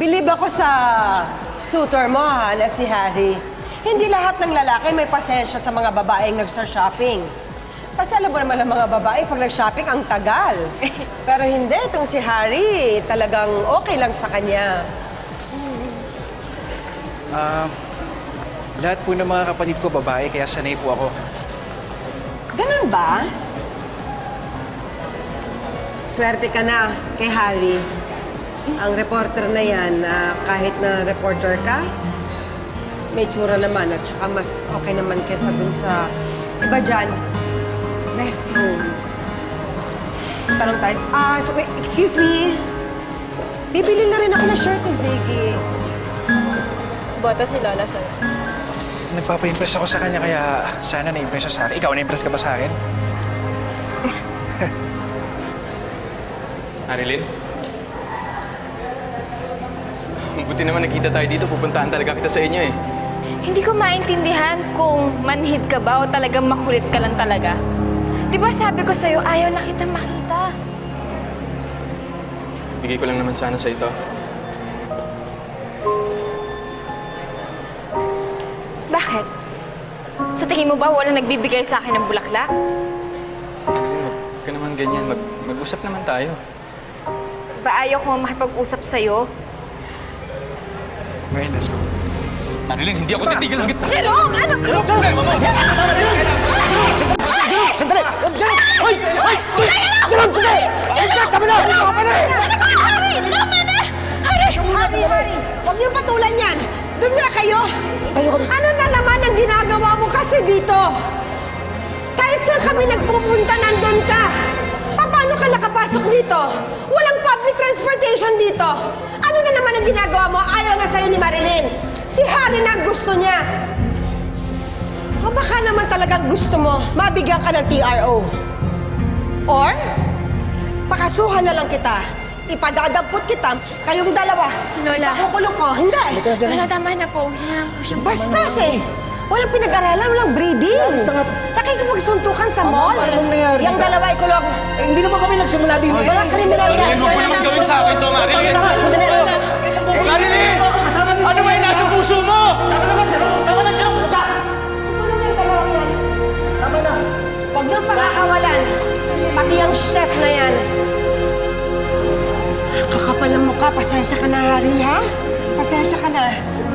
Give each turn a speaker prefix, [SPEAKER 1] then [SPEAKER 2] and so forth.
[SPEAKER 1] Bilib ako sa suitor mo, ha, na si Harry. Hindi lahat ng lalaki may pasensya sa mga babaeng nagsa-shopping. Kasi alam mo naman ang mga babae, pag nag-shopping, ang tagal. Pero hindi, itong si Harry, talagang okay lang sa kanya.
[SPEAKER 2] Lahat po ng mga kapatid ko babae, kaya sanay po ako.
[SPEAKER 1] Ganun ba? Swerte ka na kay Harry. Ang reporter na yan, kahit na reporter ka, may tsura naman at saka mas okay naman kesa dun sa iba dyan, restroom. Tanong tayo, so wait, excuse me. Bibili na rin ako ng shirt ni Ziggy.
[SPEAKER 3] Bota si Lola sa'yo.
[SPEAKER 2] Nagpapa-impress ako sa kanya, kaya sana na-impress siya sa akin. Ikaw, na-impress ka ba sa akin?
[SPEAKER 4] Marilyn? Buti naman nakita tayo dito. Pupuntahan talaga kita sa inyo eh.
[SPEAKER 3] Hindi ko maintindihan kung manhid ka ba o talagang makulit ka lang talaga. Di ba sabi ko sa'yo, ayaw na kita makita.
[SPEAKER 4] Bigay ko lang naman sana sa ito.
[SPEAKER 3] Bakit? Sa tingin mo ba walang nagbibigay sa akin ng bulaklak?
[SPEAKER 4] Marilyn, huwag ka naman ganyan. Mag-usap naman tayo.
[SPEAKER 3] Ba ayaw ko makipag-usap sa'yo?
[SPEAKER 2] Ngayon, let's go.
[SPEAKER 4] Marilyn, hindi ako titigil hanggat...
[SPEAKER 3] Jerome! Ano?
[SPEAKER 4] Ano problema mo?
[SPEAKER 5] Sandali! Jerome! Hoy! Hoy! Jerome! Sandali! Sandali! Tama na! Tama na!
[SPEAKER 3] Harry! Tama na! Harry!
[SPEAKER 1] Harry! Huwag niyo patulan yan! Doon nga kayo! Ano na naman ang ginagawa mo kasi dito? Kahit saan kami nagpupunta, nandun ka! Paano ka nakapasok dito? Walang public transportation dito! Ano na naman ang ginagawa mo? Ayaw na sa'yo ni Marilyn! Si Harry na ang gusto niya! O baka naman talagang gusto mo mabigyan ka ng TRO? Or, pakasuhan na lang kita. Ipadadampot kita, kayong dalawa.
[SPEAKER 3] Lola.
[SPEAKER 1] Ipakukulong ko. Hindi.
[SPEAKER 3] Lola, tama na po. Hinaan po siya.
[SPEAKER 1] Bastos eh. Walang pinag-aralan, walang breeding.
[SPEAKER 5] Basta nga.
[SPEAKER 1] Nakikipagsuntukan sa mall.
[SPEAKER 5] Anong nangyari?
[SPEAKER 1] Yung dalawa ikulong.
[SPEAKER 5] Eh, hindi naman kami nagsimula din eh.
[SPEAKER 1] Walang kriminal yan.
[SPEAKER 4] Marilyn, huwag mo naman gawin sa akin to, Marilyn! Marilyn! Ano ba yung nasa puso mo?
[SPEAKER 5] Tama naman, Jerome! Tama na, Jerome! Huwag ka!
[SPEAKER 1] Ikulong yung dalawa yan.
[SPEAKER 5] Tama na!
[SPEAKER 1] Huwag niyong pakakawalan. Pati ang chef na yan. Kakapal ang mukha. Pasensya ka na, Harry, ha? Pasensya ka na.